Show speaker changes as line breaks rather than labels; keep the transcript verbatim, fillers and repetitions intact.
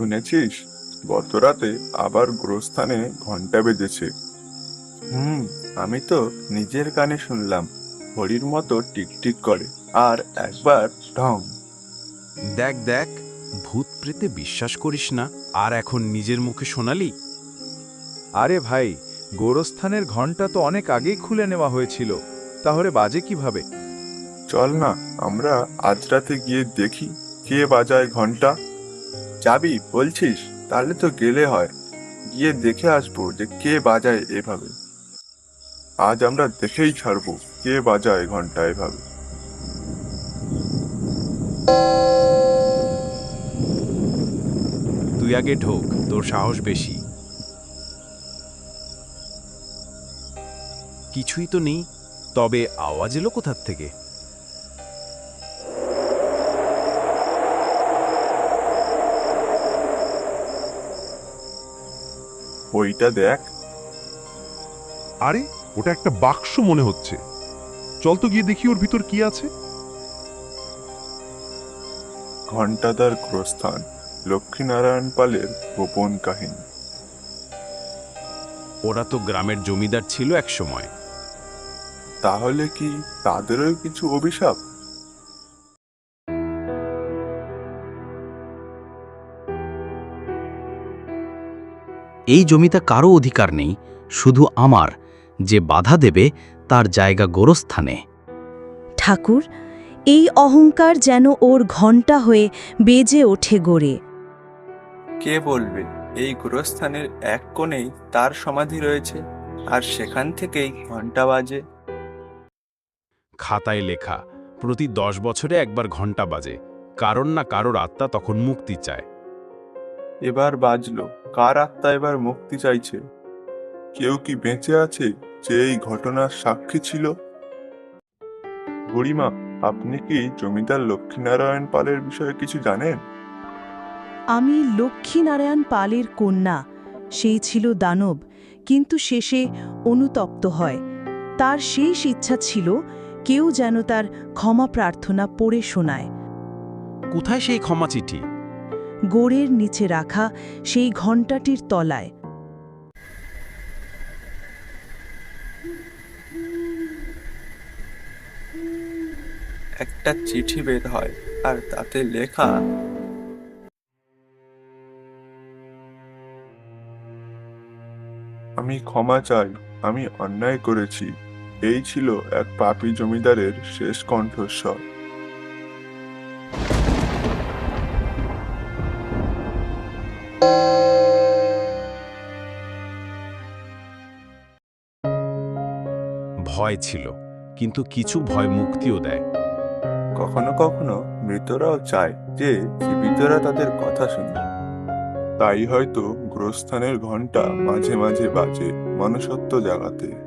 শুনেছিস, গত রাতে আবার গোরস্থানে ঘন্টা বেজেছে। হুম, আমি তো নিজের কানে শুনলাম, ঘড়ির মতো টিকটিক করে, আর একবার ঢং।
দেখ দেখ, ভূত প্রেতে বিশ্বাস করিস না, আর এখন নিজের মুখে শোনালি।
আরে ভাই, গোরস্থানের ঘন্টা তো অনেক আগেই খুলে নেওয়া হয়েছিল, তাহলে বাজে কিভাবে?
চল না, আমরা আজ রাতে গিয়ে দেখি কে বাজায় ঘন্টা। যাবি বলছিস? তাহলে তো গেলে হয়, গিয়ে দেখে আসবো যে কে বাজায় এভাবে। আজ আমরা দেখেই ছাড়বো কে বাজায় ঘন্টা এভাবে।
তুই আগে ঢোক, তোর সাহস বেশি। কিছুই তো নেই, তবে আওয়াজ এলো কোথার থেকে?
ওইটা দেখ।
আরে, ওটা একটা বাক্স মনে হচ্ছে। চল তো গিয়ে দেখি ওর ভিতর কি আছে।
ঘণ্টাদার গোরস্থান, লক্ষ্মীনারায়ণ পালের গোপন কাহিনী।
ওরা তো গ্রামের জমিদার ছিল এক সময়।
তাহলে কি তাদেরও কিছু অভিশাপ?
এই জমিতে কারো অধিকার নেই, শুধু আমার। যে বাধা দেবে তার জায়গা গোরস্থানে।
ঠাকুর, এই অহংকার যেন ওর ঘণ্টা হয়ে বেজে ওঠে গড়ে।
কে বলবে এই গোরস্থানের এক কোণেই তার সমাধি রয়েছে, আর সেখান থেকেই ঘন্টা বাজে।
খাতায় লেখা, প্রতি দশ বছরে একবার ঘন্টা বাজে, কারণ না কারোর আত্মা তখন মুক্তি চায়।
এবার বাজলো, কার আত্মা এবার মুক্তি চাইছে? কেউ কি বেঁচে আছে যে এই ঘটনার সাক্ষী ছিল? বুড়িমা, আপনি কি জমিদার লক্ষ্মীনারায়ণ পালের বিষয়ে কিছু জানেন?
আমি লক্ষ্মীনারায়ণ পালের কন্যা। সেই ছিল দানব, কিন্তু শেষে অনুতপ্ত হয়। তার শেষ ইচ্ছা ছিল কেউ যেন তার ক্ষমা প্রার্থনা পড়ে শোনায়।
কোথায় সেই ক্ষমা চিঠি?
গোড়ের নিচে রাখা সেই ঘণ্টাটির তলায়।
একটা চিঠি বের হয়, আর তাতে লেখা,
আমি ক্ষমা চাই, আমি অন্যায় করেছি। এই ছিল এক পাপী জমিদারের শেষ কণ্ঠস্বর।
ভয় ছিল, কিন্তু কিছু ভয় মুক্তিও দেয়।
কখনো কখনো মৃতরাও চায় যে জীবিতরা তাদের কথা শুনে। তাই হয়তো গোরস্থানের ঘণ্টা মাঝে মাঝে বাজে মনুষ্যত্ব জাগাতে।